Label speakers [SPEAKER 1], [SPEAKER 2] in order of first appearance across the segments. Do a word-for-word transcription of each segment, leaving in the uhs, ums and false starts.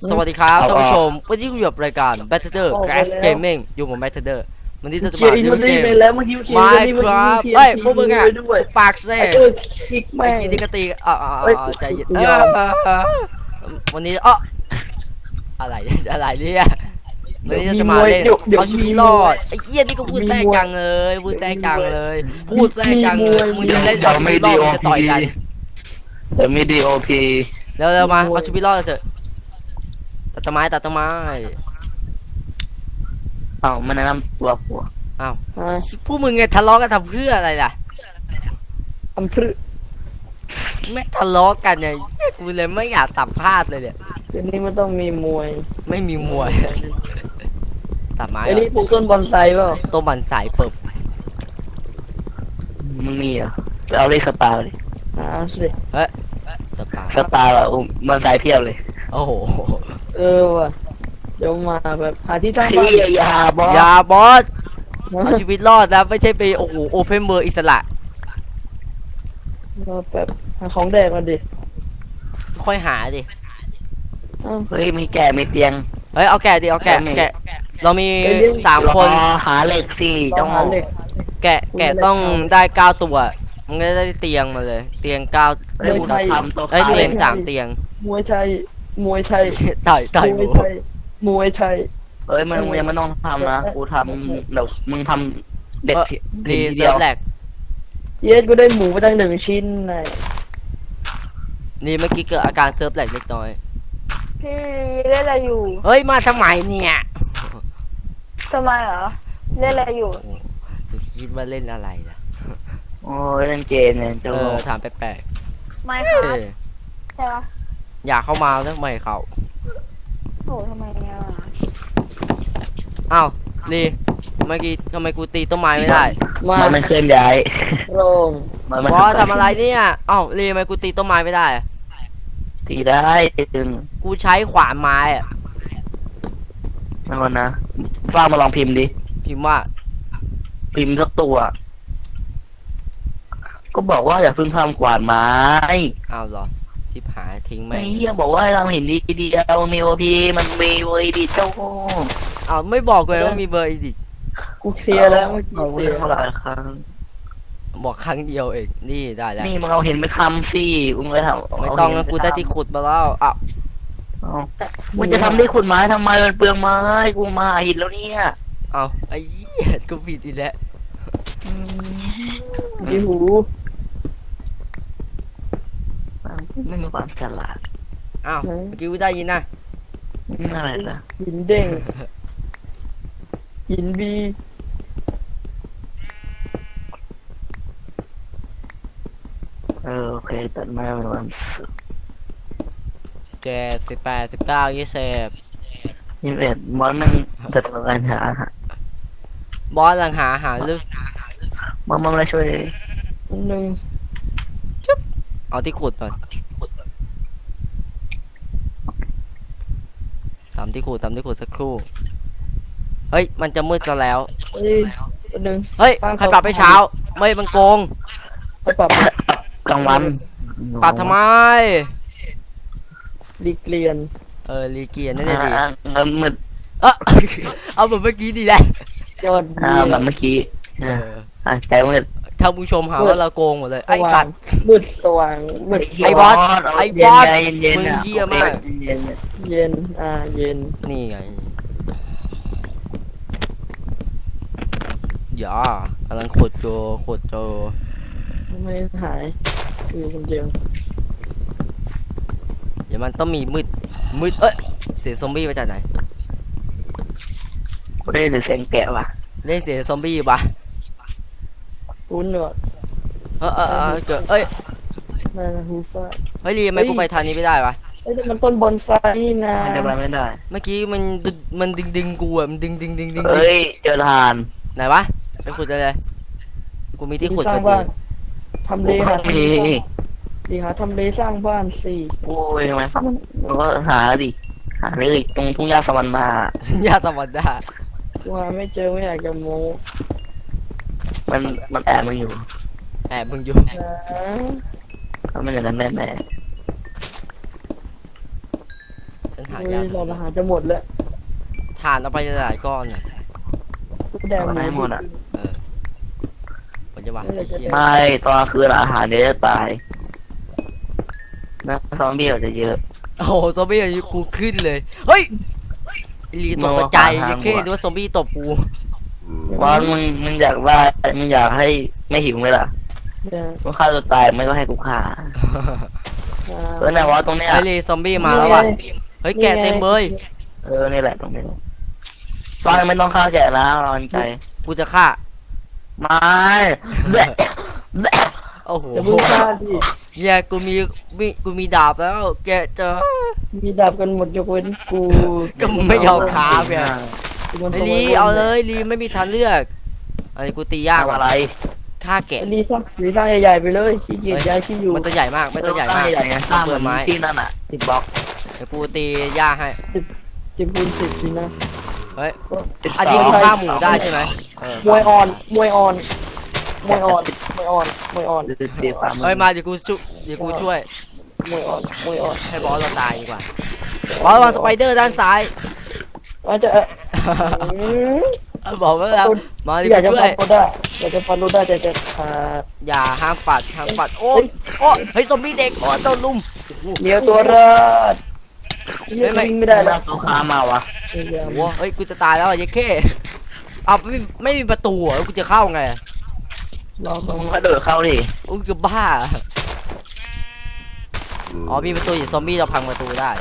[SPEAKER 1] สวัสดีครับท่านผู้ชมวันนี้กูอยู่กับรายการ Better Crash Gaming อยู่ผม Better วันนี้จะมา
[SPEAKER 2] เล่น
[SPEAKER 1] เล่นเกม
[SPEAKER 2] ไปแล้วเมื่อกี้เมื่อกี้
[SPEAKER 1] Minecraft เฮ้ยพวกมึงอ่ะปากเซ่
[SPEAKER 2] ไอ้เออคลิก
[SPEAKER 1] ไอ้
[SPEAKER 2] แม่ง
[SPEAKER 1] คีนี่ก็ตีอ่าใจเย็นวันนี้อ๋ออะไรอะไรเนี่ยวันนี้จะมาเล่นเอาชีวิตรอดไอ้เหี้ยนี่ก็พูดแทรกจังเลยพูดแทรกจังเลยพูดแทรกจังเลยมึงจะเล่นเอาชีวิตรอดมึงจะต่อยกัน
[SPEAKER 3] แต่มีดีโอพี
[SPEAKER 1] เร็วๆมาเอาชีวิตรอดเถอะตัดต้นไม้ตัดต้นไม้
[SPEAKER 3] เอ้ามันแนะนำตัวผัว
[SPEAKER 1] อ้าวพวกมึงไงทะเลาะกันทำเพื่ออะไรล่ะ
[SPEAKER 2] ทำพรึ
[SPEAKER 1] ไม่ทะเลาะกันเนี่ยกูเลยไม่อยากสัมภาษณ์เลยเนี่ย
[SPEAKER 2] เดี๋ยวนี้มันต้องมีมวย
[SPEAKER 1] ไม่มีมวยตัดไม้
[SPEAKER 2] ไอ้นี่ปลูกต้นบอนไซเปล่า
[SPEAKER 1] ต้นบันสายเปิบ
[SPEAKER 3] มึงมีเหรอไปเอาเลขสปาเลย
[SPEAKER 2] หาสิ
[SPEAKER 1] เฮ้ยสปา
[SPEAKER 3] สปาอ่ะมันสายเพียบเลย
[SPEAKER 1] โอ้โห
[SPEAKER 2] เออว่ะเดี๋ยวมาแบบหาที่ตั้ง
[SPEAKER 3] เฮี
[SPEAKER 2] บ้าน
[SPEAKER 3] ยยาบอส
[SPEAKER 1] อย่าบอสเอาชีวิตรอดนะไม่ใช่ไปโอ้โหโอเพนเบอร์อิสระ
[SPEAKER 2] เราแบบหาของแดกมาดิ
[SPEAKER 1] ค่อยหาดิ
[SPEAKER 2] เอ้า
[SPEAKER 3] เฮ้ยมีแก่มีเตียง
[SPEAKER 1] เฮ้ยเอาแกะดิเอาแกะแกะเรามีสามคน
[SPEAKER 3] รอหาเหล็กสี่
[SPEAKER 2] ต้
[SPEAKER 3] เจ้า
[SPEAKER 2] อง
[SPEAKER 3] ง
[SPEAKER 2] หา
[SPEAKER 3] อ
[SPEAKER 2] เหล็ก
[SPEAKER 1] แกะแกะต้องได้เก้าตัวมันก็ได้เตียงมาเลย เตียงเก้า
[SPEAKER 3] เฮ้ยกูทำตัว
[SPEAKER 1] เอ้ย
[SPEAKER 3] ขาย
[SPEAKER 1] เตียงสามเตียง
[SPEAKER 2] มวยไทยมวยไทย
[SPEAKER 1] ต่อยต่อยห
[SPEAKER 2] ม
[SPEAKER 1] มู
[SPEAKER 2] วยไทยมวยไทย
[SPEAKER 3] เฮ้ยมึงยังไม่ต้องทำนะกูทำเดี๋ยวมึงทำเด็ดที
[SPEAKER 1] รี
[SPEAKER 3] ที
[SPEAKER 1] เซิ
[SPEAKER 3] เดีย
[SPEAKER 1] ร์
[SPEAKER 3] ว
[SPEAKER 1] ฟแหลก
[SPEAKER 2] เยสกูได้หมูไปตั้งหนึ่งชิ้นไง
[SPEAKER 1] นี่เมื่อกี้เกิดอาการเซิร์ฟแหลกเล็กน้อย
[SPEAKER 4] พี่เล่นอะไรอยู่
[SPEAKER 1] เฮ้ยมาทำไมเนี่ย
[SPEAKER 4] ทำไมเหรอเล่นอะไรอยู่
[SPEAKER 1] คิดว่าเล่นอะไรนะ
[SPEAKER 3] โอ้ยเล่นเกมเนี่ยเจ้า
[SPEAKER 1] เออถามแปลก
[SPEAKER 4] ไม่
[SPEAKER 1] ๆ
[SPEAKER 4] ครั
[SPEAKER 1] เอบ อ
[SPEAKER 4] ใช่ปะ
[SPEAKER 1] อยากเข้ามาแล้วไม่เขา
[SPEAKER 4] โอ้ทำไมเนี่ย
[SPEAKER 1] อ้าวลีเมื่อกี้ทำไมกูตีต้นไม้ไม่ได้
[SPEAKER 2] มา
[SPEAKER 3] มันไม่เคลื่อนย้าย
[SPEAKER 2] โรง
[SPEAKER 3] มันมัน
[SPEAKER 1] บอสทำอะไรเนี่ยอ้าวลีทำไมกูตีต้นไม้ไม่ได้อะ
[SPEAKER 3] ตีได้ตึง
[SPEAKER 1] กูใช้ขวานไม้อะ
[SPEAKER 3] ไม่วันนะฟ้ามาลองพิมพ์ดิ
[SPEAKER 1] พิมพ์ว่า
[SPEAKER 3] พิมพ์สักตัว ก็บอกว่าอย่าเพิ่งทำกวาดไม้
[SPEAKER 1] อ้าวเหรอทิพหายทิ้ง
[SPEAKER 3] ไอ้
[SPEAKER 1] แม่ง
[SPEAKER 3] เหี้ยบอกว่าให้เราเห็นดีเดียวมีโอพีมันมีเวยดีเจ้า
[SPEAKER 1] อ้าวไม่บอกเลยว่ามีเบอร์อีดิ
[SPEAKER 2] กูเคลียร์แล้วเมื่อกี้
[SPEAKER 3] เรา
[SPEAKER 2] เคลี
[SPEAKER 3] เล่
[SPEAKER 2] ย
[SPEAKER 3] น
[SPEAKER 2] ร์
[SPEAKER 3] มาหลายครั้ง
[SPEAKER 1] บอกครั้งเดียวเองนี่ได้แล้ว
[SPEAKER 3] นี่มึงเอาเห็นไม่ทำสิมึงไม่ทำ
[SPEAKER 1] ไม่ต้องนะกูได้ที่ขุดมาแล้วอ้าว
[SPEAKER 3] เอามึงจะทำได้ขุดไม้ทำไมมันเปลืองไม้กูมาหินแล้วเนี่ย
[SPEAKER 1] อ้าวไอ้เหี้ยกูผิดอีกแล้ว
[SPEAKER 2] มีหู
[SPEAKER 3] ไม่มีความฉลาด
[SPEAKER 1] อ้าวเมื่อกี้กูได้ยินนะ
[SPEAKER 3] นี่อะไรล่ะ
[SPEAKER 2] หินเด้งหินบี
[SPEAKER 3] เออโอเคตัดไม้เป็นวันศุกร์
[SPEAKER 1] สิบเจ็ดสิบแปดสิบเก้ายี่สิบ
[SPEAKER 3] ยี่สิบเอ็ดมอนมันจัดการหา
[SPEAKER 1] บอสลังหาหาลึก
[SPEAKER 3] มันมันมาช่วย
[SPEAKER 2] หนึ่ง
[SPEAKER 1] เอาที่ขุดหน่อยทำที่ขุดทำที่ขุดสักครู่เฮ้ยมันจะมืดซะแล้ว
[SPEAKER 2] เอ้ยหนึ่ง
[SPEAKER 1] เฮ้ยใครปรับไปเช้าไม่มันโกง
[SPEAKER 2] ไปปรับ
[SPEAKER 3] กลางวัน
[SPEAKER 1] ปรับทำไม
[SPEAKER 2] รีเกลียน
[SPEAKER 1] เออรีเกียร์นั่นเองดี
[SPEAKER 3] อ่าเงินมืด
[SPEAKER 1] เออ เอาแบบเมื่อกี้ดีแหละ
[SPEAKER 2] ยอด
[SPEAKER 3] อ่า
[SPEAKER 2] เยี่ย
[SPEAKER 3] แบบ
[SPEAKER 2] ม
[SPEAKER 3] เมื่อกี้
[SPEAKER 1] เอ
[SPEAKER 3] อ่า
[SPEAKER 1] อ
[SPEAKER 3] อ่าใจมืด
[SPEAKER 1] ถ้าผู้ชมหาว่าเราโกงหมดเลยไอ้
[SPEAKER 2] สว่า
[SPEAKER 1] สั
[SPEAKER 2] ง
[SPEAKER 1] ตว์
[SPEAKER 2] มืดสว่างมืด
[SPEAKER 1] ไอ้บอสไอ้บอส
[SPEAKER 3] เย็นๆเย็นๆ
[SPEAKER 1] มึง
[SPEAKER 3] อ่ะ
[SPEAKER 1] เหี้ยมาก
[SPEAKER 3] เย็น
[SPEAKER 2] เย็นอ่าเย็น
[SPEAKER 1] นี่ไงอย่ากำลังขุดโจขุดโจ
[SPEAKER 2] ไม่หายอยู่คนเดียว
[SPEAKER 1] เดี๋ยวมันต้องมีมืดมืดเอ้ยเสียงซอมบี้มาจากไหน
[SPEAKER 3] ๆกูได้ยินเสียงแกะว่ะ
[SPEAKER 1] ได้เสียงซอมบี้ปะ
[SPEAKER 2] คุ้นหนวด
[SPEAKER 1] เออเออเออเกิดเอ้ย
[SPEAKER 2] นั่นนะฮูฟ้า
[SPEAKER 1] เฮ้ยรีทำไมกูไปทางนี้ไม่ได้วะ
[SPEAKER 2] เอ้ยแต่มันต้นบอนไซนี่นะ
[SPEAKER 3] มันจะไปไม่ได้
[SPEAKER 1] เมื่อกี้มันดึงมันดึงดึงกูอะมันดึงดึงดึงดึงดึง
[SPEAKER 3] เฮ้ยเจอทาน
[SPEAKER 1] ไหนวะไปขุดเลยเลยกูมีที่ขุด
[SPEAKER 2] สร้า
[SPEAKER 1] พ
[SPEAKER 2] ง
[SPEAKER 1] อดี
[SPEAKER 2] บ้านทำเลหา
[SPEAKER 3] มี
[SPEAKER 2] ดีหาทำเลสร้างบ้านสี่
[SPEAKER 3] โอ้ยทำไมครับมันก็หาดิหาเลยตรงทุ่งหญ้าสวรรค์มา
[SPEAKER 1] ญาติสวัสดิ์
[SPEAKER 2] กูหาไม่เจอไม่อยากจะโม้
[SPEAKER 3] มันมันแอบมันอยู่
[SPEAKER 1] แอบมึงอยู่
[SPEAKER 2] นะ
[SPEAKER 3] แล้วมันอย่างนั้นแน่แน่
[SPEAKER 1] แสฉันหา
[SPEAKER 2] เฮ้
[SPEAKER 1] ยาย
[SPEAKER 2] หลอดอาหารจะหมดแล้ว
[SPEAKER 1] ถ่านเอาไปหลายก้อนน่ะ
[SPEAKER 2] แดง
[SPEAKER 3] เอาให้หมดอะ
[SPEAKER 1] เออผมจะว่าไอ้เชี่ย
[SPEAKER 3] ไม่ตอนคืนอาหารเดี๋ยวจะตายนะซอมบี้อาจจะเยอะ
[SPEAKER 1] โอ้โหซอมบี้อายุกูขึ้นเลยเฮ้ยไอ้ลีตกกระจายยังแค่ดูว่าซอมบี้ตบกู
[SPEAKER 3] ว่ามึงมึงอยากได้มึงอยากให้ไม่หิวไหมล่ะ
[SPEAKER 2] เนี่ย
[SPEAKER 3] มึงฆ่าตัวตายไม่ก็ให้กูฆ่าเออไหนวะตรงเนี้ย
[SPEAKER 1] ไอ้ลีซอมบี้มาแล้วว่ะเฮ้ยแกะเต็มเลย
[SPEAKER 3] เออนี่แหละตรงนี้ตอนไม่ต้องฆ่าแกะนะรอนใจ
[SPEAKER 1] กูจะฆ่า
[SPEAKER 3] ไม่แบะแบะ
[SPEAKER 1] โอ้โห
[SPEAKER 2] จะพึ่งฆ่าดิ
[SPEAKER 1] เนี่ยกูมีมีกูมีดาบแล้ว แกะเจอ
[SPEAKER 2] มีดาบกันหมดยกเว้นกู
[SPEAKER 1] ก็มึงไม่ยอมค้าบไง
[SPEAKER 2] กูมัน
[SPEAKER 1] ไอ้ลีเอาเลยลีไม่มีทางเลือกอันนี้กูตียากกว่า
[SPEAKER 3] อะไร
[SPEAKER 1] ฆ่าแกะ
[SPEAKER 2] ไอ้ลีสร้างลีสร้างใหญ่ๆไปเลยขี้เกียจย้ายที่อยู่
[SPEAKER 1] มันตัวใหญ่มากไม่ตัวใหญ่มาก
[SPEAKER 3] ใหญ่ไงสร้างเห
[SPEAKER 1] เปิ
[SPEAKER 3] มือ
[SPEAKER 1] ด
[SPEAKER 3] น
[SPEAKER 1] ไม้
[SPEAKER 3] ที่นั่นอ่ะสิบบล็อก
[SPEAKER 1] เดี๋ยวกูตีหญ้าให้
[SPEAKER 2] สิบคูณสิบสินะ
[SPEAKER 1] เฮ้ยอันนี้กูฆ่าหมูได้ใช่ไหมเออ
[SPEAKER 2] มวยอ่อนมวยอ่อนมวยอ่อนมวยอ่อนมวยอ่อน
[SPEAKER 3] เสียความ
[SPEAKER 1] เฮ้ยมาเดี๋ยวกูช่วยเดี๋ยวกูช่วย
[SPEAKER 2] มวยอ่อนมวยอ่อน
[SPEAKER 1] ให้บอสเราตายดีกว่าบอสวางสไปเดอร์ด้านซ้าย
[SPEAKER 2] อาจจะเอออืม
[SPEAKER 1] บอกไว้แล้วมาเดี๋
[SPEAKER 2] อยาก
[SPEAKER 1] ยว
[SPEAKER 2] จะ
[SPEAKER 1] กูช่ว
[SPEAKER 2] ฟั
[SPEAKER 1] ย
[SPEAKER 2] นโรด้าอยากจะฟันโรด้าแต่จะขาด
[SPEAKER 1] อย่าห้ามปัดห้ามปัดโอ้ยโอ้ยเฮ้ยซอมบี้เด็กโอ้ยโดนลุม
[SPEAKER 2] เลี้ยวตัวรอดไม่วิ่งไม่ได้
[SPEAKER 3] ได้
[SPEAKER 2] แล้
[SPEAKER 3] แล้ว วตัวค้ามาวะ
[SPEAKER 2] พยายาม
[SPEAKER 1] โอ้เฮ้ยกูจะตายแล้วอ่ะยัยเข้เอาไม่ไม่มีประตูอ่ะแล้วกูจะเข้าไง
[SPEAKER 2] รอก่อน
[SPEAKER 3] มึงก็เดินเข้าดิ
[SPEAKER 1] โอ้ยจะบ้าอ๋อมีประตูอยู่ซอมบี้เราพังประตูได้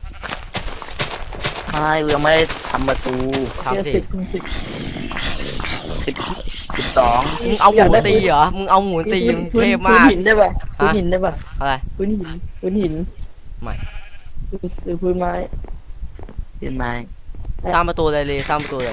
[SPEAKER 3] ไม่กูยังไม่ได้ทำประตู
[SPEAKER 1] ทำสิ
[SPEAKER 2] สิบคูณสิบ
[SPEAKER 3] สิบสิบสอง
[SPEAKER 1] มึงเอาหมูตีเหรอมึงเอาหมูตีมึงเทพมาก
[SPEAKER 2] พื้นหินได้ป่ะพื้นหินได้ป่ะ
[SPEAKER 1] อะไร
[SPEAKER 2] พื้นหินพื้นหิน
[SPEAKER 1] ไม่
[SPEAKER 2] หรือพื้นไม้
[SPEAKER 3] เป็นไม้
[SPEAKER 1] สร้างประตูเลยเลยสร้างประตูเลย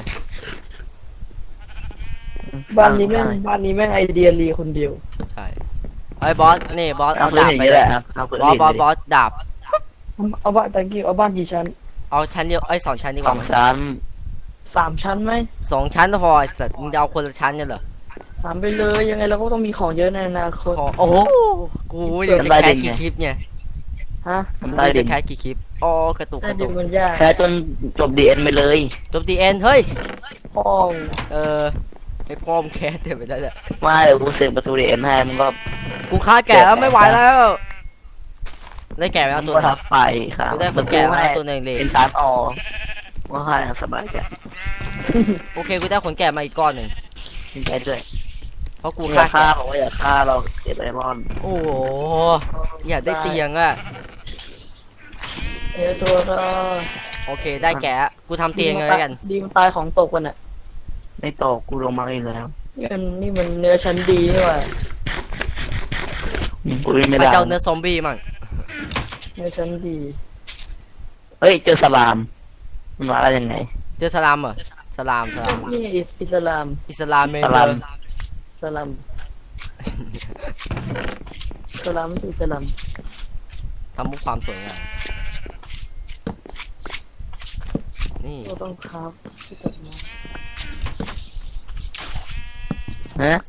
[SPEAKER 2] บ้านนี้แม่งบ้านนี้แม่งไอเดียรีคนเดียว
[SPEAKER 1] ใช่ไอ้ยบอสนี่บอส
[SPEAKER 3] เอา
[SPEAKER 1] เอา
[SPEAKER 3] พื้น
[SPEAKER 1] ดาบ
[SPEAKER 3] อย่าง
[SPEAKER 1] ไป
[SPEAKER 3] นี้
[SPEAKER 1] เล
[SPEAKER 3] แห
[SPEAKER 1] ย
[SPEAKER 3] ละครับเอาพื้น
[SPEAKER 1] บอสบอส
[SPEAKER 3] ดิ
[SPEAKER 1] บอสดาบ
[SPEAKER 2] เอาบ้านตะกี้เอาบ้านกี่ชั้น
[SPEAKER 1] เอาชั้นเดียวไอ้ยสองชั้นดีก
[SPEAKER 3] สอ
[SPEAKER 1] ว่าง ไหม
[SPEAKER 3] ชั้น
[SPEAKER 2] สามชั้นไหม
[SPEAKER 1] สองชั้นก็พอไอ้สัตว์มึงจะเอาคนละชั้นกันเหรอ
[SPEAKER 2] ถามไปเลยยังไงเราก็ต้องมีของเยอะในอนาคต
[SPEAKER 1] ขอโอ้โหกูอยากจะแคสกี่คลิปเนี่ย
[SPEAKER 2] ฮะ
[SPEAKER 1] กู
[SPEAKER 3] ได้
[SPEAKER 1] อยาก
[SPEAKER 3] ดิ
[SPEAKER 1] จะแคสกี่คลิปอ๋อกระตุก
[SPEAKER 2] ได้
[SPEAKER 1] กระ
[SPEAKER 2] ดิ
[SPEAKER 1] ตุก
[SPEAKER 2] มันยาก
[SPEAKER 3] แค่จนจบดีเอ็นไปเลย
[SPEAKER 1] จบดีเอ็นเฮ้ย
[SPEAKER 2] ห้อง
[SPEAKER 1] เออไอ้พ่อมงแคสเต็มไปแล้วแหละ
[SPEAKER 3] ไม่เดี๋ยวกูเสร็จประตูดีเอ็นให้มึงก็
[SPEAKER 1] กูฆ่าแก่แล้วไม่ไหวแล้วได้แก่ไปแล้ว
[SPEAKER 3] มึง
[SPEAKER 1] ตัว
[SPEAKER 3] ก็
[SPEAKER 1] หนึง
[SPEAKER 3] ทับไปครับ
[SPEAKER 1] กูได้คนแก่แล้วตัวหนึ่งเลย
[SPEAKER 3] เป็นชั้นออว่าค่าอย่างสบายใจ
[SPEAKER 1] โอเคกูได้ขนแก่มาอีกก้อนหนึ่ง
[SPEAKER 3] ดีใจด้วย
[SPEAKER 1] เพราะกู
[SPEAKER 3] กูอ
[SPEAKER 1] ฆ่าย
[SPEAKER 3] ากฆ่า
[SPEAKER 1] แก่
[SPEAKER 3] บอกว่าอยากฆ่าเราเก็บไอรอน
[SPEAKER 1] โอ้โหอยากได้เตียงอะ
[SPEAKER 2] เอตัวรอ
[SPEAKER 1] โอเคได้แก่กูทำเตียงเลยแล้วกัน
[SPEAKER 2] ดีมันตายของตกกันอ่ะ
[SPEAKER 3] ไม่ตกกูลงมาอีกแล้ว
[SPEAKER 2] นี่มันนี่มันเนื้อชั้นดีนี่หว่า
[SPEAKER 3] อืมกูวิ่งไม่
[SPEAKER 1] ไป
[SPEAKER 3] ได้
[SPEAKER 1] เจ้าเนื้อซอมบี้มั่ง
[SPEAKER 2] เนื้อชั้นดี
[SPEAKER 3] เฮ้ยเจอสลามมันมาได้ยังไง
[SPEAKER 1] เจอสลามเหรอสลามสลาม
[SPEAKER 2] นี่อิสลาม
[SPEAKER 1] อิสลามเมน
[SPEAKER 3] ส
[SPEAKER 1] เล
[SPEAKER 3] ลาม
[SPEAKER 1] ย
[SPEAKER 2] สลามสลามไม่ใช่สลาม
[SPEAKER 1] ทำมุกความสวยงามนี่
[SPEAKER 2] เราต้องครับที่ตัดไม้
[SPEAKER 3] ฮะ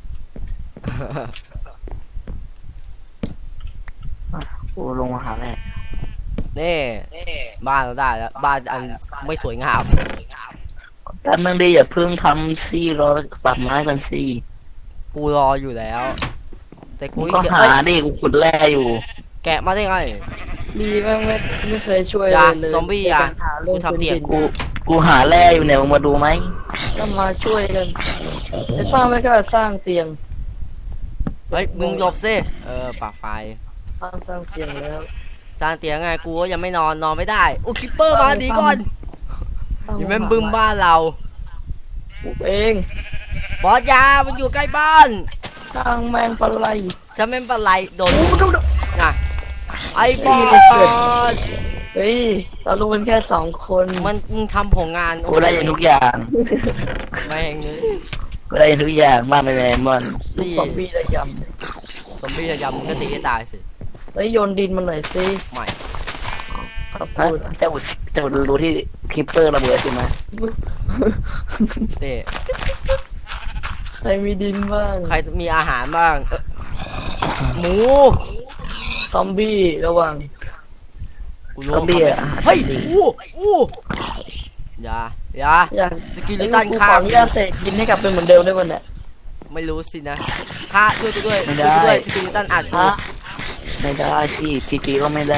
[SPEAKER 3] กูลงมาหาแม่
[SPEAKER 1] นี่บ้านเราได้แล้วบ้านอันไม่สวยงาม
[SPEAKER 3] แต่มึงดีอย่าเพิ่งทำซี่รอตัดไม้กันซี่
[SPEAKER 1] กูรออยู่แล้ว แต่กู
[SPEAKER 3] กู
[SPEAKER 1] อี
[SPEAKER 3] ก็
[SPEAKER 1] ก
[SPEAKER 3] หา
[SPEAKER 1] เอ้ย
[SPEAKER 3] ดิกูขุดแร่อยู่
[SPEAKER 1] แกะมาได้ไง
[SPEAKER 2] ดีมากไม่ไม่เคยช่วย
[SPEAKER 1] จ้ะ
[SPEAKER 2] เลย
[SPEAKER 1] ซอมบี้อ่ะ
[SPEAKER 2] ในการหาเรื่อง
[SPEAKER 1] กูทำเตียง
[SPEAKER 2] พื้นดิน
[SPEAKER 3] กูกูหาแร่อยู่เนี่ยมึงมาดูไหม
[SPEAKER 2] ก็มาช่วยกันไอ้สร้างไม่ก็สร้างเตียง
[SPEAKER 1] เฮ้ยมึงหลบซิเออปากไฟ
[SPEAKER 2] สร้างสร้างเตียงแล้ว
[SPEAKER 1] สร้างเตียงไงกูก็ยังไม่นอนนอนไม่ได้โอ้คิปเปอร์มาดีก่อนอย่าแม่งบึ้มบ้านเรา
[SPEAKER 2] ปลูกเอง
[SPEAKER 1] บอสยามันอยู่ใกล้บ้าน
[SPEAKER 2] สร้างแมงปลาไหล
[SPEAKER 1] ฉันไม่เป็นไรโดนน่ะไอ้บอส
[SPEAKER 2] เฮ้ยเรารู้กันแค่สองคน
[SPEAKER 1] มันมึงทำผลงาน
[SPEAKER 3] กูได้ยินทุกอย่าง
[SPEAKER 1] แม่งเลย
[SPEAKER 3] กูได้ยินทุกอย่างมากเลยไอ้มอน
[SPEAKER 2] ลูก
[SPEAKER 1] นี่
[SPEAKER 2] ซอมบี้ระย
[SPEAKER 1] ซอมบี้จะยำมึงก็ตีให้ตายสิ
[SPEAKER 2] ำเฮ้ยโยนดินมันหน่อยสิ
[SPEAKER 1] ไม่
[SPEAKER 2] ขอบ
[SPEAKER 3] ฮะ
[SPEAKER 2] คุณ
[SPEAKER 3] เจ้าเจ้ารู้ที่คลิปเปอร์ระเบิดใช่ไหม
[SPEAKER 1] นี่
[SPEAKER 2] ใครมีดินบ้าง
[SPEAKER 1] ใครมีอาหารบ้างเอ้อหมู
[SPEAKER 2] ซอมบี้ระวัง
[SPEAKER 1] กูกูรู้
[SPEAKER 3] ซอมบี้อะ
[SPEAKER 1] เฮ้ยอู้อู้อย่าอย่า
[SPEAKER 2] อยาก
[SPEAKER 1] สกิลิตัน
[SPEAKER 2] กู
[SPEAKER 1] ฆ่า
[SPEAKER 2] ขออนุญาตเสกกินให้กลับเป็นเหมือนเดิมได้ป่ะเนี่ย
[SPEAKER 1] ไม่รู้สินะฆ่าช่วยกูด้วยช่วยกูด้วยสกิลิตันอัดกู
[SPEAKER 2] ฮะ
[SPEAKER 3] ไม่ได้สิทีพีก็ไม่ได้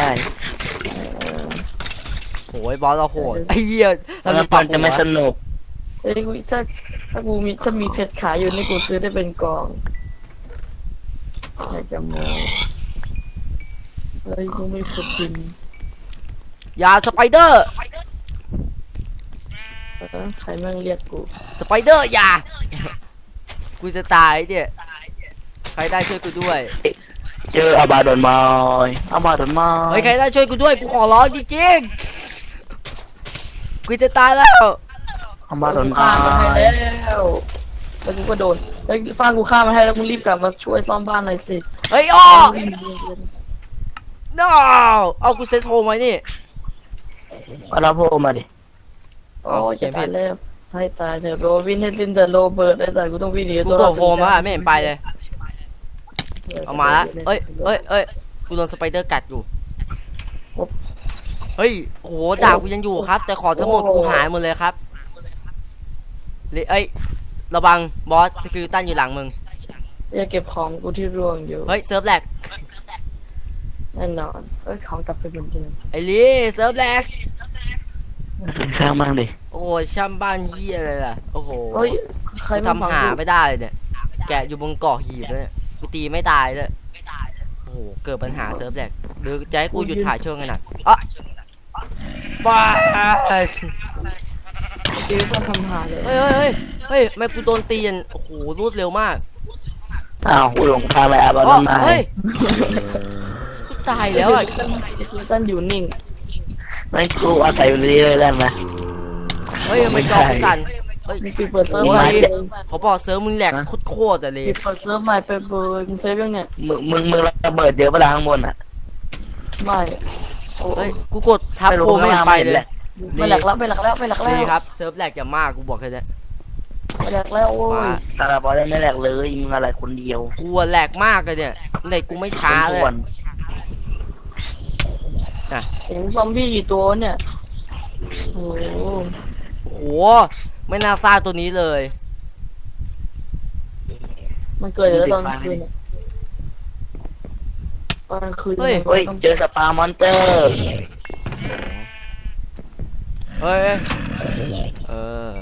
[SPEAKER 1] โอ้ยบอสเราโหดไอ้เหี้ย
[SPEAKER 3] แล้ว
[SPEAKER 1] เรา
[SPEAKER 3] มันจะไม่สนุก
[SPEAKER 2] เอ้ยกูถ้าถ้ากูมีถ้ามีเพชรขายอยู่นี่กูซื้อได้เป็นกองอยากจะโมเฮ้ยกูไม่ฝึกกิน
[SPEAKER 1] อย่าสไปเดอร์
[SPEAKER 2] เออใครแม่งเรียกกู
[SPEAKER 1] สไปเดอร์อย่ากูจะตายเนี่ยใครได้ช่วยกูด้วย
[SPEAKER 3] เจออาบาดอนมอยอาบาดอนมอย
[SPEAKER 1] เฮ้ยใครได้ช่วยกูด้วยกูขอร้องจริงๆกูจะตายแล้ว
[SPEAKER 3] อาบาดอนม
[SPEAKER 2] ฆ่า
[SPEAKER 3] อ
[SPEAKER 2] มันให้
[SPEAKER 3] ย
[SPEAKER 2] แล้วแล้วกูก็โดนเฮ้ยฟางกูฆ่ามันให้แล้วมึงรีบกลับมาช่วยซ่อมบ้านหน่อยสิ
[SPEAKER 1] เฮ้ยอ้อ no เอากูเซ็ตโฮมไว้นี่
[SPEAKER 3] เอาลาโพมาดิ
[SPEAKER 2] โอ้ยจะตายแล้วให้ตายเถอะโรบินให้สิ้นแต่โรเบิร์ตไอ้สัตว์กูต้องวิ่งหนี
[SPEAKER 1] กู
[SPEAKER 2] ตัว
[SPEAKER 1] ก
[SPEAKER 2] รอ
[SPEAKER 1] ดโฮมแล้วอะไม่เห็นไปเลยเอามาละเอ้ยเอ้ยเอ้ยกูโดนสไปเดอร์กัดอยู่เฮ้ยโอ้โหดาบกูยังอยู่ครับ แต่ขอทั้งหมดกูหายหมดเลยครับเลยเอ้ยระวังบอสสกิลตันอยู่หลังมึง
[SPEAKER 2] อย่าเก็บของกูที่ร่วงอยู่
[SPEAKER 1] เฮ้ยเซิร์ฟแลก
[SPEAKER 2] แน่นอนเอ้ยของกลับไปเหมือนเดิม
[SPEAKER 1] ไอ้ลีเซิร์ฟแลก
[SPEAKER 3] ข้างมั่งดิ
[SPEAKER 1] โอ้โหช่ำบ้านเฮียอะไรล่ะโอ้โห
[SPEAKER 2] เฮ้ยใคร
[SPEAKER 1] กู
[SPEAKER 2] มา
[SPEAKER 1] ทำหาไม่ได้เลยเนี่ยแกะอยู่บนเกาะหีบเลยเนี่ยกูตีไม่ตายเลยโอ้โหเกิดปัญหาเซิร์ฟแลกหรือจะให้กูหยุดถ่ายช่วงขนาดอ่ะบ้า
[SPEAKER 2] ตีต้องทำหาเลย
[SPEAKER 1] เฮ้ยเฮ้ยเฮ้ยทำไมกูโดนตีนโอ้โหรวดเร็วมาก
[SPEAKER 3] อ้าวกูหลงทางไปอาบาด
[SPEAKER 1] อ๋อ
[SPEAKER 3] อนมอย
[SPEAKER 1] เฮ้ยกูตายแล้วอ่ะ
[SPEAKER 2] ต้นอยู่นิ่ง
[SPEAKER 3] นั่นกูอาศัยอยู่นี่เลยได้ไหม
[SPEAKER 1] เฮ้ยทำไมจอกูสั่นเฮ้ย
[SPEAKER 2] มีปิดเปิดเซิร์ฟ
[SPEAKER 1] โอ้
[SPEAKER 2] ใหม่
[SPEAKER 1] ยเขาบอกเซิร์ฟมึงแหลกโคตรๆอะเลย
[SPEAKER 2] ปิดเปิดเซิร์ฟใหม่ไปเบอร์มึงเซฟยังเนี่ย
[SPEAKER 3] มึงมึงมึงระเบิดเยอะปะล่ะข้างบนอ่ะ
[SPEAKER 2] ไม่โอ้
[SPEAKER 1] เฮ้ยกูกดทับโคไม่เห็นไปเลย
[SPEAKER 2] ไม่หลักแล้วไม่หลักแล้วไม่หลักแล้ว
[SPEAKER 1] นี่ครับเซิร์ฟแหลกจะมากกูบอกแค่นี้
[SPEAKER 2] ไม่หลักแล้วโอ้
[SPEAKER 1] มาย
[SPEAKER 3] ตาลาบอลได้ไม่แหลกเลยมึงอะไรคนเดียว
[SPEAKER 1] กูอะแหลกมากเลยเนี่ยในกูไม่ช้าเลย
[SPEAKER 3] ส่วน
[SPEAKER 2] เห็นซอมบี้กี่ตัวเนี่ยโอ้โห
[SPEAKER 1] โอ้โหไม่น่าสร้างตัวนี้เลย
[SPEAKER 2] มันเกิดอยู่แล้วตอนกลางคืนเนี่ยตอนกลางคืน
[SPEAKER 1] เฮ้ย
[SPEAKER 3] เฮ้ยเจอสปามอนเตอร์
[SPEAKER 1] เฮ้ยเออ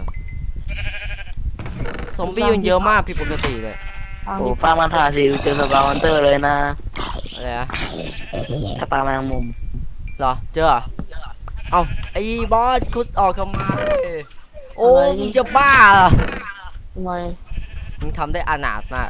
[SPEAKER 1] ซอมบี้มันเยอะมากผิดปกติเลย
[SPEAKER 2] ทาง
[SPEAKER 3] โอ้
[SPEAKER 2] นี้
[SPEAKER 3] ฟาร์มันทาสิเจอสปามอนเตอร์เลยนะ
[SPEAKER 1] อะไรอะ
[SPEAKER 3] สปาแมงมุม
[SPEAKER 1] เหรอเจอเหรอเอ้าไอ้บอสคุดออกทำไมโอ้มึงจะบ้าเหรอ
[SPEAKER 2] ทำไม
[SPEAKER 1] มึงทำได้อนาถมาก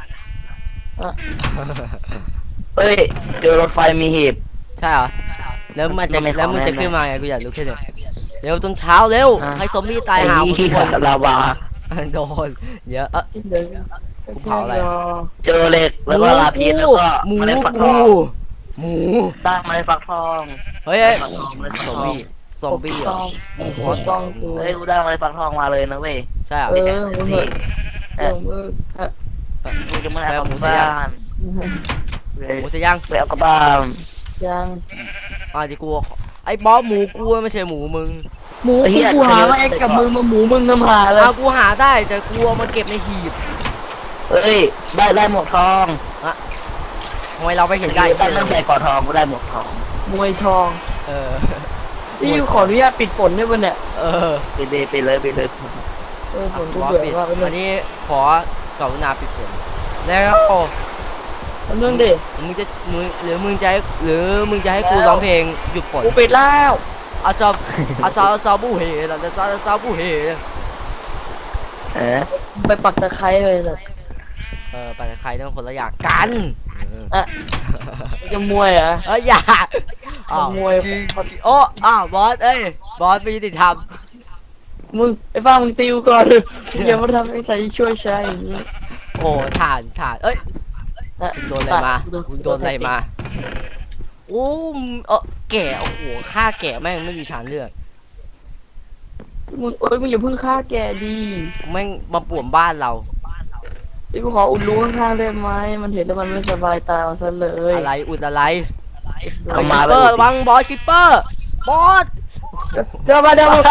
[SPEAKER 3] เฮ้ยเจอรถไฟมีหีบ
[SPEAKER 1] ใช่เหรอแล้วมันจะ
[SPEAKER 3] ไม่เข้า
[SPEAKER 1] แล้วมึงจะ
[SPEAKER 3] แน่ๆ
[SPEAKER 1] ขึ้นมาไงกูอยากรู้แค่นี้เร็วจนเช้าเร็ว
[SPEAKER 3] อ่ะ
[SPEAKER 1] ให้ซอมบี้ตายหาหมด
[SPEAKER 3] ไอ้
[SPEAKER 1] ทุกคน
[SPEAKER 3] ลาวา
[SPEAKER 1] โดนเยอะเอะ
[SPEAKER 2] เดี๋ยว
[SPEAKER 1] กูเผาอะไร
[SPEAKER 3] เจอเหล็ก
[SPEAKER 1] ห
[SPEAKER 3] แล้ว
[SPEAKER 1] มู
[SPEAKER 3] ก็ลาพีชแล้ว
[SPEAKER 1] กู
[SPEAKER 3] ก็
[SPEAKER 1] หมู
[SPEAKER 3] เมล็ดฟักท
[SPEAKER 1] กู
[SPEAKER 3] อง
[SPEAKER 1] หมู
[SPEAKER 3] ตั้งเมล็ดฟักทอง
[SPEAKER 1] เฮ้ยเฮ้ย
[SPEAKER 3] ฟักทองเมล็ด
[SPEAKER 1] ซ
[SPEAKER 3] ฟั
[SPEAKER 1] อก ม
[SPEAKER 3] ทอง
[SPEAKER 1] บี้ซอมบี้เหรอ
[SPEAKER 2] หัวต้องกู
[SPEAKER 3] เฮ้ยกูได้เมล็ดฟักทองมาเลยนะเว้ย
[SPEAKER 1] ใช่เหรอ
[SPEAKER 2] เออมึงเหอะเออมึงเออ
[SPEAKER 3] กูจะไม่ได้
[SPEAKER 1] แปล
[SPEAKER 3] เอา
[SPEAKER 1] หมู
[SPEAKER 3] กลับ
[SPEAKER 1] สยา
[SPEAKER 3] บ้าม น
[SPEAKER 1] หมูเสยยัง
[SPEAKER 3] ไปเอากลับบ้าน
[SPEAKER 2] ยัง
[SPEAKER 1] อ่าที่กูไอ้บอสหมูกูไม่ใช่หมูมึง
[SPEAKER 2] หมูกูกูหามาเองกับมึงมาหมูมึงทำหาเลย
[SPEAKER 1] เอากูหาได้แต่กูเอามาเก็บในหีบ
[SPEAKER 3] เฮ้ยได้ได้หมวกทอง
[SPEAKER 1] ทำไมเราไปเห็นได้
[SPEAKER 3] ตั้งตั้งใส่กอทองกูได้หมวกทอง
[SPEAKER 2] มวยทอง
[SPEAKER 1] เออ
[SPEAKER 2] นี่ขออนุญาตปิดฝนด้วยป่ะเนี่ย
[SPEAKER 1] เออ
[SPEAKER 3] ไปเลยไปเลยไปเลย
[SPEAKER 2] เออฝนกู
[SPEAKER 1] บอส
[SPEAKER 2] เบื่อ
[SPEAKER 1] ปิด
[SPEAKER 2] มากไปเล
[SPEAKER 1] อั
[SPEAKER 2] ย
[SPEAKER 1] นนี้ขอกรุณาปิดฝนแล้วโอ้
[SPEAKER 2] เรื่องดิ
[SPEAKER 1] มึงจะมึงหรือมึงจะให้หรือมึงจะให้กูร้องเพลงหยุดฝน
[SPEAKER 2] กูปิดแล้ว
[SPEAKER 1] อาซาอาซาอาซาบูเฮล่ะอาซาอาซาบูเฮ
[SPEAKER 3] เออ
[SPEAKER 2] ไปปักตะไคร้เลยเลย
[SPEAKER 1] เออไปใครต้องคนละอย่างกัน
[SPEAKER 2] อ่ะจะมวยเหรอ่ะ
[SPEAKER 1] เอ้ยอย่าอ้าว
[SPEAKER 2] ขโมย
[SPEAKER 1] จริงโอ้อ้าวบอสเอ้ยบอสไม่ยุติธรรม
[SPEAKER 2] มึงไอ้ฟ้ามึงติวก่อนอย่ามาทำให้ใครช่วยใช้อย่างนี้
[SPEAKER 1] โอ้ถ่านถ่านเอ้ย
[SPEAKER 2] อ่ะ
[SPEAKER 1] โดนอะไรมาคุณโดนอะไรมาโอ้เออแก่โอ้โหฆ่าแก่แม่งไม่มีทางเลือก
[SPEAKER 2] มึงเอ้ยมึงอย่าเพิ่งฆ่าแกดี
[SPEAKER 1] แม่งมาป่วนบ้านเรา
[SPEAKER 2] ไอ้กูขออุดรูข้างๆได้ไหมมันเห็นแล้วมันไม่สบายตาเอาซะเลย
[SPEAKER 1] อะไรอุดอะไร
[SPEAKER 3] เอา
[SPEAKER 1] คิ
[SPEAKER 3] มา
[SPEAKER 1] ป
[SPEAKER 3] เล
[SPEAKER 1] เปอร์
[SPEAKER 3] ย
[SPEAKER 1] ระวังบอสคิปเปอร์บบอส
[SPEAKER 2] เดี๋ยวมาเดี๋ยวมา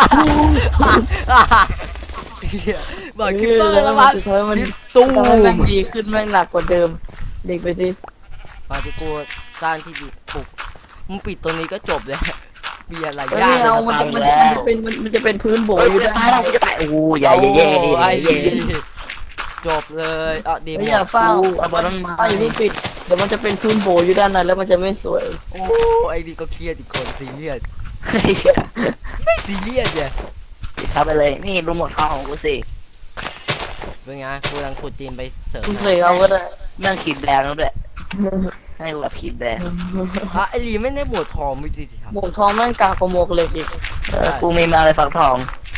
[SPEAKER 1] เหี้ยบอกคิปเปอร์แล้วมั้ง
[SPEAKER 2] สุดท้ายมัน
[SPEAKER 1] ชิดตู
[SPEAKER 2] ทำให้แม่ง
[SPEAKER 1] ม
[SPEAKER 2] ดีขึ้นแม่งหนักกว่าเดิมเด็กไปดิ
[SPEAKER 1] มาที่กูสร้างที่ดีปุกมึงปิดตัวนี้ก็จบเลยมีอะไร
[SPEAKER 2] ไม่
[SPEAKER 1] ยาก
[SPEAKER 2] เอามันจะมันจะมันจะเป็นมันมันจะเป็นพื้นโบ
[SPEAKER 3] โอ้ย
[SPEAKER 2] อ
[SPEAKER 3] กู
[SPEAKER 2] ยู่
[SPEAKER 3] จะ
[SPEAKER 2] ได้
[SPEAKER 3] ตายแล้วกูจะตายโอ้ยอย่า
[SPEAKER 1] โอ้
[SPEAKER 3] อย่าแย่ดิ
[SPEAKER 1] ไอ้
[SPEAKER 3] อย่า
[SPEAKER 1] ดี
[SPEAKER 3] แย่ดิ
[SPEAKER 1] จบเลยอ่ะดีหม
[SPEAKER 2] ไม่อย่า
[SPEAKER 1] ด
[SPEAKER 2] เฝ้า
[SPEAKER 3] เอาบอลนั้นมา
[SPEAKER 2] เฝ้าอย่าเพิ่งปิดเดี๋ยวมันจะเป็นพื้นโบอยู่ด้านในแล้วมันจะไม่สวย
[SPEAKER 1] โอ้ไอ้ดีก็เครียดอีกคนซีเรียส
[SPEAKER 3] เฮ้ย
[SPEAKER 1] ไม่ซีเรียสเนี่ย
[SPEAKER 3] เข้าไปเลยนี่รู้หมดข้าวของกูสิ
[SPEAKER 1] เป็นไงกูกำลังขุดดินไปเสริม
[SPEAKER 2] คุณเสกเอาก็ได้
[SPEAKER 3] แม่งขีดแดงแล้วด้วยให้กูแบบขีดแดง
[SPEAKER 1] อ่ะไอ้ลีไม่ได้หมวดทองไม่ดีทำ
[SPEAKER 2] หมวกทองแม่งกากกว่าหมวกเหล็กอีก
[SPEAKER 3] เออกูมีมาเลยฝักทอง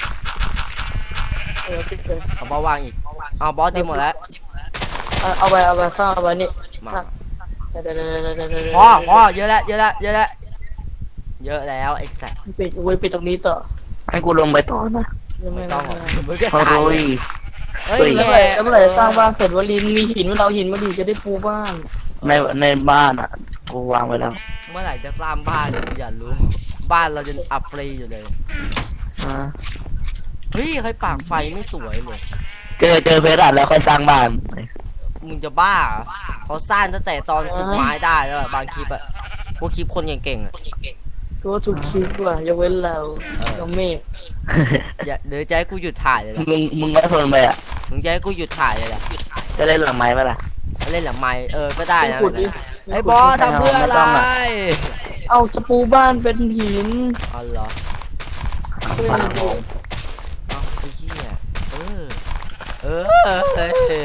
[SPEAKER 2] เออปิดเลย
[SPEAKER 1] เอาบอสวางอีกเอาบอสดีหมดแล้ว
[SPEAKER 2] เอาเอาไปเอาไปข้างเอาไปนี่
[SPEAKER 1] มา
[SPEAKER 2] เดี๋ยวเดี๋ยวเดี๋ยวเดี๋ยวเดี๋ยวเดี๋ยว
[SPEAKER 1] พอพอเยอะแล้วเยอะแล้วเยอะแล้วเยอะแล้วไอ้แสบ
[SPEAKER 2] ปิดไว้ปิดตรงนี้ต่อ
[SPEAKER 3] ให้กูลงไปต่อนะ
[SPEAKER 2] ยัง
[SPEAKER 1] ไม่
[SPEAKER 2] ไม่
[SPEAKER 1] ต้
[SPEAKER 2] ต้
[SPEAKER 1] อ
[SPEAKER 2] อง ง
[SPEAKER 1] หรอกมึงก็
[SPEAKER 3] โอ้
[SPEAKER 1] ตาย
[SPEAKER 3] ย
[SPEAKER 1] เลยเฮ้ย
[SPEAKER 3] เฮ้ย
[SPEAKER 2] แล้ว
[SPEAKER 1] แก
[SPEAKER 2] เมื่อไหร่แล้วเมื่อไหร่สร้างบ้านเสร็จวลินมีหินว่าเราหินมาดีจะได้ปูบ้าน
[SPEAKER 3] ในในบ้านอ่ะกูวางไว้แล้ว
[SPEAKER 1] เมื่อไหร่จะสร้างบ้านอย่ารู้ บ้านเราจะอัปเปรย์อยู่เลย
[SPEAKER 3] อ่า
[SPEAKER 1] เฮ้ยใครปากไฟไม่สวยเลย
[SPEAKER 3] เจอเจอเพชรอ่ะแล้วค่อยสร้างบ้าน
[SPEAKER 1] มึงจะบ้าเหรอเขาสร้างตั้งแต่ตอนขุดไม้ได้แล้วอะบางคลิปอะพวกคลิปคนเก่งๆอะ
[SPEAKER 2] ตัวถูกคิดว่ะยกเว้นเรา
[SPEAKER 1] เออ
[SPEAKER 2] เราเมฆ
[SPEAKER 1] อย่าเดี๋ยวจะให้กูหยุดถ่ายเลยนะ
[SPEAKER 3] มึงมึงไม่ทนไปอ่ะ
[SPEAKER 1] มึงจะให้กูหยุดถ่ายเลยแหละ
[SPEAKER 3] จะเล่นหลังไม้ปะล่ะ
[SPEAKER 1] เล่นหลังไม้เออก็ได้นะ
[SPEAKER 2] ขุดดิ
[SPEAKER 1] ไอ้บอสทำเพื่ออะไร
[SPEAKER 3] ไม่ต้องอะ
[SPEAKER 2] เอาจะปูบ้านเป็นหิน
[SPEAKER 1] อ๋อเหรอ
[SPEAKER 3] บ้านผม
[SPEAKER 1] เอาไอ้เหี้ยเออเออเออเออ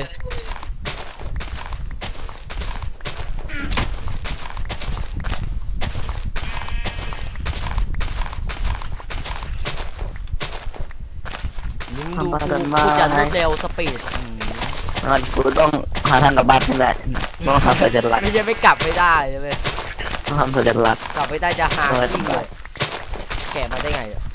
[SPEAKER 1] มึงดูกูกูจะรวดเร็วสปีดอืม
[SPEAKER 3] งั้นกูต้องหาทางกลับบ้านให้ได้ต้องทำสัญลักษณ์
[SPEAKER 1] ไม่ใช่ไม่กลับไม่ได้ใช่ไหม
[SPEAKER 3] ต้องทำสัญลักษณ์
[SPEAKER 1] กลับไม่ได้จะหา
[SPEAKER 3] เออ
[SPEAKER 1] ที่เลยแกะมาได้ไงเนี่ย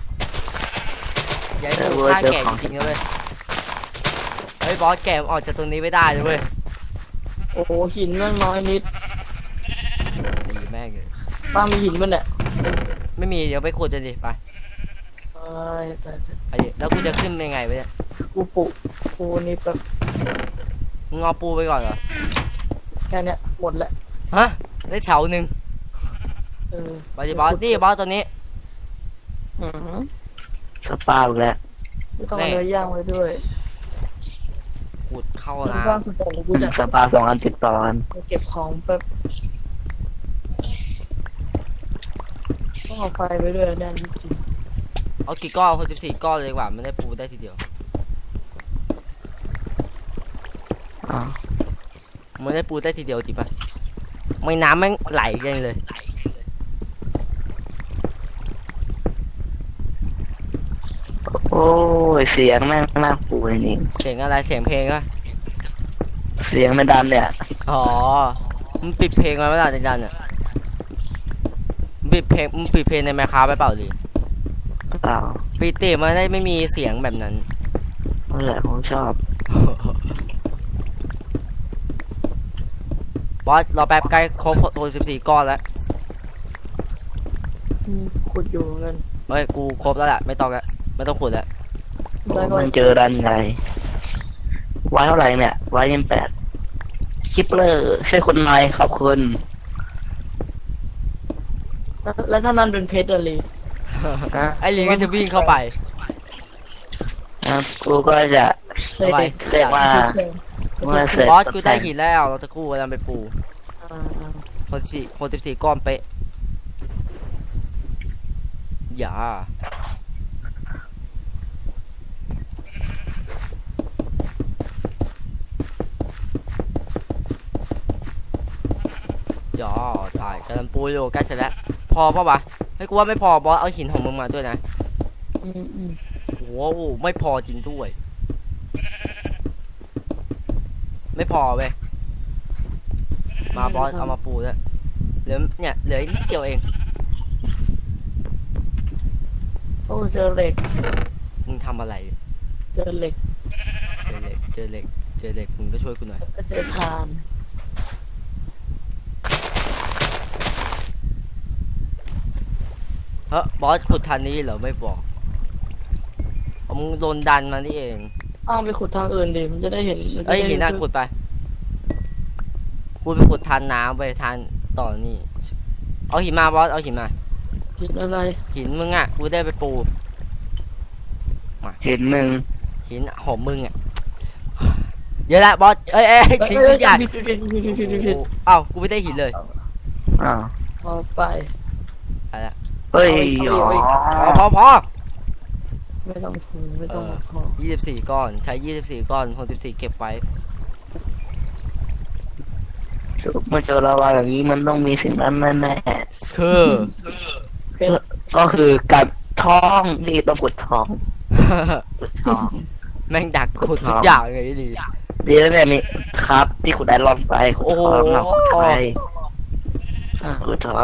[SPEAKER 1] อยัย
[SPEAKER 3] เออ
[SPEAKER 1] กู
[SPEAKER 3] เว้ย
[SPEAKER 1] ฆ่า
[SPEAKER 3] เจอ
[SPEAKER 1] แกะ
[SPEAKER 3] ของ
[SPEAKER 1] จริงๆนะเว้ยเฮ้ยบอสแกะออกจากตรงนี้ไม่ได้เลยเว้ย
[SPEAKER 2] โอ้โหหินแม่งน้อยนิด
[SPEAKER 1] ดีแม่งเลย
[SPEAKER 2] ป้ามีหินมั้ยเนี่ย
[SPEAKER 1] ไม่มีเดี๋ยวไปขุดกันดิไป
[SPEAKER 2] เอ้ยแต่
[SPEAKER 1] ไปดิแล้วกูจะขึ้นยังไงไปเนี่ย
[SPEAKER 2] กูปุปูนี่แบบ
[SPEAKER 1] มึงเอาปูไปก่อนเหรอ
[SPEAKER 2] แค่เนี้ยหมดแล้ว
[SPEAKER 1] ฮะได้แถวหนึ่ง
[SPEAKER 2] เออ
[SPEAKER 1] ไปดิบอสนี่บอสตัวนี้
[SPEAKER 2] อืม
[SPEAKER 3] สปาอีกแล้ว
[SPEAKER 2] ไม่ต้องเอาเนื้อย่างไว้ด้วย
[SPEAKER 1] ขุดเข้า
[SPEAKER 2] คุณ
[SPEAKER 1] นะ
[SPEAKER 2] บ้างคุณแต่กูจะ
[SPEAKER 3] สปาสองอันติดต่อกัน
[SPEAKER 2] เก็บของแป๊บต้องเอาไฟไปด้วยแน่นจริง
[SPEAKER 1] เอากี่ก้อนหกสิบสี่ก้อนเลยดีกว่าไม่ได้ปูได้ทีเดียว
[SPEAKER 3] อ๋อ
[SPEAKER 1] ไม่ได้ปูได้ทีเดียวจริงปะไม่น้ำแม่งไหลกันเลย
[SPEAKER 3] โอ้ยเสียงแม่งน่าปูจริง
[SPEAKER 1] เสียงอะไรเสียงเพลงปะ
[SPEAKER 3] ๆเสียงไม่ดันเนี่ย
[SPEAKER 1] อ๋อมึงปิดเพลงไว้เมื่อไหร่จันเนี่ยมึงปิดเพลงมึงปิดเพลงในไมค์คราฟไปเปล่าดิ
[SPEAKER 3] เปล่า
[SPEAKER 1] ปิดเตะมันได้ไม่มีเสียงแบบนั้น
[SPEAKER 3] นั่นแหละผมชอบ
[SPEAKER 1] บอสรอแป๊บใกล้ครบหกสิบสี่ก้อนแล้ว
[SPEAKER 2] ๆอืมขุดอยู่เงิน
[SPEAKER 1] เฮ้ยกูครบแล้วแหละไม่ต้องแล้วไม่ต้องขุดแล้ว
[SPEAKER 2] ได้ก็
[SPEAKER 3] มันเจอดันไงไว้เท่าไหร่เนี่ยไว้ยี่สิบแปดคิปเลอร์ช่วยคนหน่อยขอบคุณ
[SPEAKER 2] แล้วแล้วถ้านั่นเป็นเพชรอะไร
[SPEAKER 3] นะ
[SPEAKER 1] ไอ้ลิงก็จะวิ่งเข้าไป
[SPEAKER 3] นะกูก็จะ
[SPEAKER 2] เลย
[SPEAKER 1] ทำไม
[SPEAKER 2] เด็ก
[SPEAKER 3] เรียกว่าเมื่อเสร็จ
[SPEAKER 1] บอสกูได้หินแล้วเราจะกู้กันไปปู
[SPEAKER 2] อ่า
[SPEAKER 1] หกสิบสี่หกสิบสี่ก้อนเป๊ะอย่าจ่อถ่ายกำลังปูอยู่ใกล้เสร็จแล้วพอปะวะเฮ้ยกูว่าไม่พอบอสเอาหินของมึงมาด้วยนะ
[SPEAKER 2] อืมอืม
[SPEAKER 1] โอ้โหไม่พอจริงด้วย ไม่พอเว้ยมาบอสเอามาปูแล้วเหลือเนี่ยเหลืออีกนิดเดียวเอง
[SPEAKER 2] โอ้เจอเหล็ก
[SPEAKER 1] มึงทำอะไร
[SPEAKER 2] เจอเหล็ก
[SPEAKER 1] เจอเหล็กเจอเหล็กเจอเหล็กมึงก็ช่วยกูหน่อย
[SPEAKER 2] แล้วก็เจอทาน
[SPEAKER 1] เฮ้ยบอสขุดทันนี้เหรอไม่บอกเอามึงโดนดันมานี่เอง
[SPEAKER 2] อ้างไปขุดทางอื่นดิมันจะได้เห็นมัจะ
[SPEAKER 1] เอ้ย
[SPEAKER 2] ได้
[SPEAKER 1] หินน่ะขุดไปกูไปขุดทานน้ำไปทานต่อนี่เอาหินมาบอสเอาหินมา
[SPEAKER 2] หินอะไร
[SPEAKER 1] หินมึงอ่ะกูได้ไปปู
[SPEAKER 3] เห็นมึง
[SPEAKER 1] หินหอมมึงอ่ะเยอะละบอสเอ้ยเอ้ยทิ้งทุกอย่าง
[SPEAKER 2] ผิดผิดผิดผิดผิดผิดผิด
[SPEAKER 1] เอ้ากูไม่ได้หินเลย
[SPEAKER 3] อ้าว
[SPEAKER 2] เอาไป
[SPEAKER 1] อะไรละ
[SPEAKER 3] เฮ้ย
[SPEAKER 2] เอาอีก
[SPEAKER 3] อ๋
[SPEAKER 1] พอ
[SPEAKER 3] อ
[SPEAKER 1] พอพอ
[SPEAKER 2] ไม่ต้องพูดไม่ต้องพอ
[SPEAKER 1] ยี่สิบสี่ก้อนใช้ยี่สิบสี่ก้อนหกสิบสี่เก็บไว้
[SPEAKER 3] เมื่อเจอลาวาอย่างนี้มันต้องมีสิ่งนั้นแน่
[SPEAKER 1] คือ
[SPEAKER 2] เป็น
[SPEAKER 3] ๆก็คือกัดท้องนี่ต้องกดท้องกดท้อง
[SPEAKER 1] แม่งดักขุดทุกอย่างเลยดิ
[SPEAKER 3] ดีแล้วเนี่ยมีครับที่ขุดไอรอนไปขุดท้องเราขุดไปอ่าขุดท้อง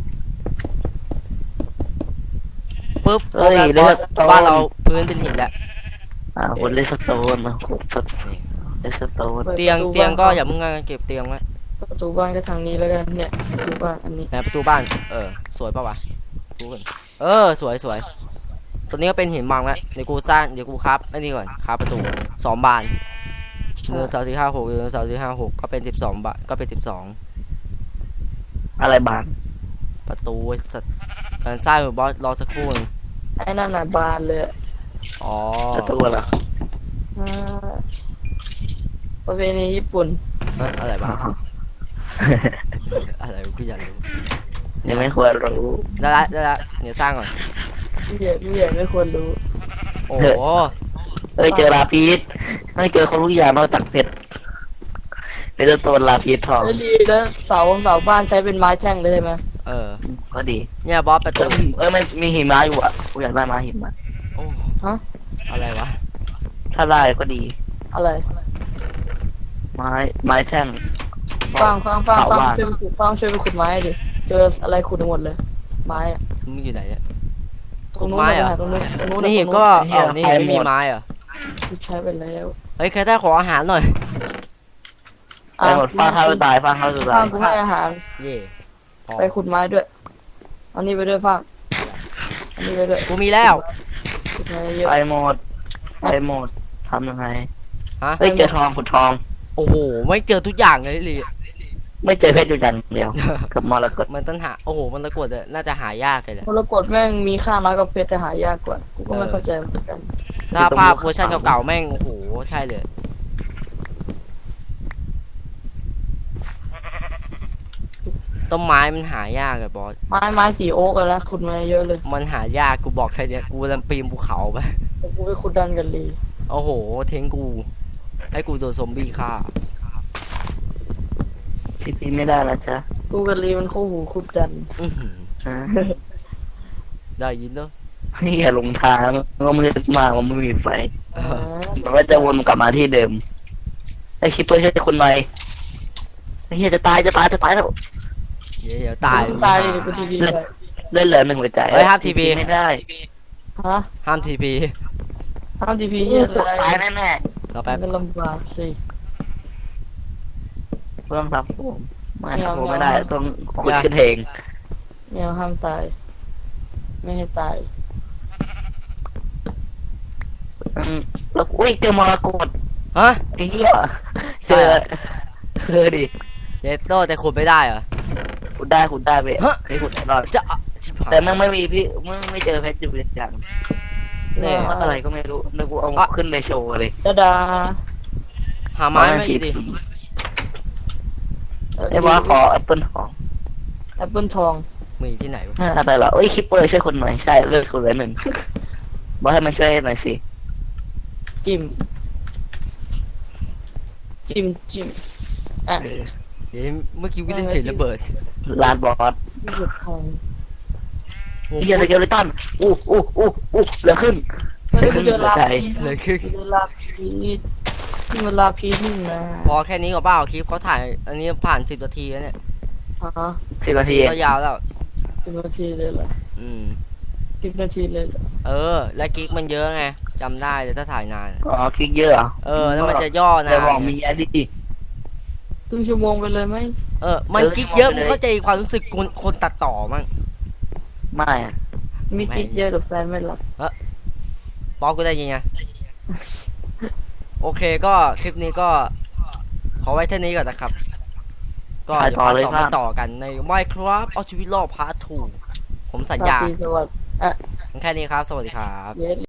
[SPEAKER 1] ปุ๊บ
[SPEAKER 3] เฮ้ย
[SPEAKER 1] บอส
[SPEAKER 3] เลือดโต
[SPEAKER 1] บ้านเราพื้นเป็นหินแล้ว
[SPEAKER 3] อ่าขุดเลสโตนนะขุดสเลสโตน
[SPEAKER 1] เตียงเตียงก็อย่ามึงเก็บเตียงไว้
[SPEAKER 2] ประตูบ้านก็ทางนี้แล้วกันเนี่ยประตูบ้านอันนี้
[SPEAKER 1] ในประตูบ้านเออสวยปะวะดูก่อนเออสวยสวยตัวนี้ก็เป็นหินบางแล้วเดี๋ยวกูสร้างเดี๋ยวกูครับไอ้นี่ก่อนครับประตูสองบานหนึ่งสองสี่ห้าหกหนึ่งสองสี่ห้าหกก็เป็นสิบสองบานก็เป็นสิบสอง
[SPEAKER 3] อะไรบาน
[SPEAKER 1] ประตูสัตว์การสร้างบอสรอสักครู่นึง
[SPEAKER 2] ไอ้นั่นน่ะบานเลยอะ
[SPEAKER 1] อ๋อ
[SPEAKER 3] ประตูเหรอ
[SPEAKER 2] อ่าประเพณีญี่ปุ่น
[SPEAKER 1] เอ้ยอะไรบ้างอะไรกูอยากรู้
[SPEAKER 3] ยังไม่ควรรู้
[SPEAKER 1] ได้ละได้ละเดี๋ยวสร้างก่อน
[SPEAKER 2] ผู้ใหญ่ผู้ใหญ่ไม่ควรรู้
[SPEAKER 1] โอ้โห
[SPEAKER 3] เอ้ยเจอลาพีสไม่เจอคนรู้อย่างนอกจากเพชรเป็นตัวลาพีสทอง
[SPEAKER 2] แล้วดีแล้วเสาเสาบ้านใช้เป็นไม้แท่งเลยใช่ไหม
[SPEAKER 1] เออ
[SPEAKER 3] ก็ดี
[SPEAKER 1] เนี่ยบอสประ
[SPEAKER 3] เอ
[SPEAKER 1] ตู
[SPEAKER 3] อเอ้ยมันมีหิมะอยู่อ่ะกูอยากได้มาหิมะ
[SPEAKER 1] โอ้
[SPEAKER 2] ฮะ
[SPEAKER 1] อะไรวะ
[SPEAKER 3] ถ้าได้ก็ดี
[SPEAKER 2] อะไร
[SPEAKER 3] ไม้ไม้แท่ง
[SPEAKER 2] ฟังฟังฟัง
[SPEAKER 3] เสา
[SPEAKER 2] ฟัง
[SPEAKER 3] บ้าน
[SPEAKER 2] ช่วยไปขุดฟังช่วยไปขุดไม้ดิเจออะไรขุดหมดเลย ไม้อะ
[SPEAKER 1] มึงอยู่ไหนเนี่ย
[SPEAKER 2] ตรงนู้น
[SPEAKER 1] ขุดไม้เหรอ
[SPEAKER 2] นะตรงนู้นตรงนู้น
[SPEAKER 1] นี่
[SPEAKER 2] ตรง
[SPEAKER 1] ก็เอานี่ไม่มีไม้เหรอ
[SPEAKER 2] ใช้ไปแล้ว
[SPEAKER 1] เฮ้ยใครได้ขออาหารหน่อย
[SPEAKER 3] ไปหมดฟาดเท้าจะตายฟาดเท้าจะ
[SPEAKER 2] ฟั
[SPEAKER 3] ตาง ย
[SPEAKER 2] กูให้อาหาร
[SPEAKER 1] เย่พอ
[SPEAKER 2] ไปขุดไม้ด้วยเอานี่ไปด้วยฟังอันนี้ไปด้วย
[SPEAKER 1] กูมีแล้ว
[SPEAKER 2] ขุดไม้เยอะ
[SPEAKER 3] ไปหมดไปหมดทำยังไง
[SPEAKER 1] ฮะ
[SPEAKER 3] เฮ้ยเจอทองขุดทอง
[SPEAKER 1] โอ้โหไม่เจอทุกอย่างเลยลิ
[SPEAKER 3] ไม่เจอเพชรอยู่อย่างเดียวกับมรกต
[SPEAKER 1] มันต้องหาโอ้โหมันตะกรวดอะน่าจะหายากเลยแหละ
[SPEAKER 2] มรกตแม่งมีค่าน้อยกว่าเพชรแต่หายากกว่ากูก็ไม่เข้าใจเหมือนกัน
[SPEAKER 1] ถ้าภาพเวอร์ชันเก่าๆแม่งโอ้โหใช่เลยต้นไม้มันหายากเลยบอส
[SPEAKER 2] ไม้ไม้สีโอ๊กกันแล้วขุดมาเยอะเลย
[SPEAKER 1] มันหายากกูบอกแค่เนี้ยกูลำปีนภูเขาไป
[SPEAKER 2] แต่กูไปขุดดันกันเลย
[SPEAKER 1] โอ้โหทิ้งกูให้กูโดนซอมบี้ฆ่า
[SPEAKER 3] ทีพีไม่ได้แล้วจ้ะ
[SPEAKER 2] กูกันลีมันคู่หูขุดดัน
[SPEAKER 1] อื้อหือ
[SPEAKER 3] ฮะ
[SPEAKER 1] ได้ยินเนอะ
[SPEAKER 3] นี่อย่าหลงทางก็มืดมากมันไม่มีไฟ
[SPEAKER 1] เออ
[SPEAKER 3] มันก็จะวนกลับมาที่เดิมไอ้คิปเปอร์ใช่คนใหม่ไอ้เหี้ยจะตายจะตายจะตายแล้ว
[SPEAKER 1] เดี๋ยวเดี๋ยวตาย
[SPEAKER 2] ตายเลยกูทีวีไป
[SPEAKER 3] เล่นเหลือหนึ่งหัวใจ
[SPEAKER 1] เฮ้ยห้าม ที พี
[SPEAKER 3] ไม่ได้
[SPEAKER 2] ฮะ
[SPEAKER 1] ห้ามทีพี
[SPEAKER 2] ทำทีพีเยอะ
[SPEAKER 3] กด
[SPEAKER 2] เลย
[SPEAKER 3] ตายแน่
[SPEAKER 1] เรา
[SPEAKER 2] แป๊
[SPEAKER 1] แป๊
[SPEAKER 2] บบ มันลำบากสิ
[SPEAKER 3] ๆเพื่อนรับผมไม่
[SPEAKER 2] ไม่เอา
[SPEAKER 3] ผม
[SPEAKER 2] ไม่
[SPEAKER 3] ไม่
[SPEAKER 2] เอา
[SPEAKER 3] ได้ต้องขุดขึ้นเอง
[SPEAKER 2] เนี่ยห้ามตาย ไม่ให้ตาย
[SPEAKER 3] อืมแล้วอุ้ยเจอมรกต
[SPEAKER 1] ฮะ
[SPEAKER 3] ไอ้เหี้ย
[SPEAKER 1] ใช่
[SPEAKER 3] เจอ
[SPEAKER 1] เหรอ
[SPEAKER 3] เจอดิ
[SPEAKER 1] เจโต้แต่ขุดไม่ได้เหรอ
[SPEAKER 3] ขุดได้ขุดได้เว้ย
[SPEAKER 1] ฮะ
[SPEAKER 3] เคยขุดแน่นอน
[SPEAKER 1] จะอ่ะชิบหาย
[SPEAKER 3] แต่มันไม่มีพี่มึงไม่เจอเพชรอยู่อย่าง
[SPEAKER 1] เนี่ย
[SPEAKER 3] ว่าอะไรก็ไม่รู้นึกว่าเอา
[SPEAKER 1] อ่ะ
[SPEAKER 3] ขึ้นไปโชว์เลย
[SPEAKER 2] ดาดา
[SPEAKER 1] หาไม้มาอีกดิ
[SPEAKER 3] ไอ้ว่าขอแอปเปิลทอง
[SPEAKER 2] แอปเปิลทอง
[SPEAKER 1] มีที่ไหนวะ
[SPEAKER 3] อ่าอะไรเหรอเอ้ยคิปเปอร์ช่วยคนหน่อยใช่เลิกคนละหนึ่งบอกให้มันช่วยหน่อยสิ
[SPEAKER 2] จิ้ม จิ้มจิ้มอ่ะ
[SPEAKER 3] เออ
[SPEAKER 1] เดี๋ยวเมื่อกี้กูได้เสียงระเบิด
[SPEAKER 3] ลานบอส
[SPEAKER 2] ที่สุดทอง
[SPEAKER 1] โอ้โห
[SPEAKER 3] เฮียสเกลเลตันอู้อู้อู้อู้เหลือขึ้น
[SPEAKER 2] ไม่ได้ไปเจอลา
[SPEAKER 3] ใจ
[SPEAKER 2] พี
[SPEAKER 1] เลยคือ
[SPEAKER 2] เจอลาพีที่มันลาพีนี่นะ
[SPEAKER 1] พอแค่นี้ก็เปล่าคลิปเขาถ่าย อันนี้ผ่านสิบนาทีแล้วเนี่ย
[SPEAKER 2] ฮะ
[SPEAKER 3] สิบนาที
[SPEAKER 1] ก็ยาวแล้ว
[SPEAKER 2] สิบนาทีเลยเหรอ
[SPEAKER 1] อืม
[SPEAKER 2] สิบนาทีเลยเหรอ
[SPEAKER 1] เออ และกิ๊กมันเยอะไงจำได้เลยถ้าถ่ายนาน
[SPEAKER 3] อ๋อคลิกเยอะเหรอ
[SPEAKER 1] เออ แล้วมันจะย่อนา
[SPEAKER 3] แต่
[SPEAKER 1] น
[SPEAKER 3] บอกมีอันดี
[SPEAKER 2] ครึ่งชั่วโมงไปเลยไหม
[SPEAKER 1] เออ มันกิ๊กเยอะมึงเข้าใจความรู้สึกคนคนตัดต่อมั้ง
[SPEAKER 3] ไม่อะ
[SPEAKER 1] ฮ
[SPEAKER 2] มีกิ๊กเยอะหรือแฟนไม่รับ
[SPEAKER 1] บอกกูได้ยังไง โอเคก็คลิปนี้ก็ ขอไว้เท่านี้ก่อนนะครับ ก็เดี๋ยวพาร์ทสองมาต่อกันใน Minecraft เอาชีวิตรอดพาร์ททูผมสัญญา
[SPEAKER 2] ราตรีสวัสดิ์อ่ะ
[SPEAKER 1] แค่นี้ครับ สวัสดีครับ
[SPEAKER 2] เยส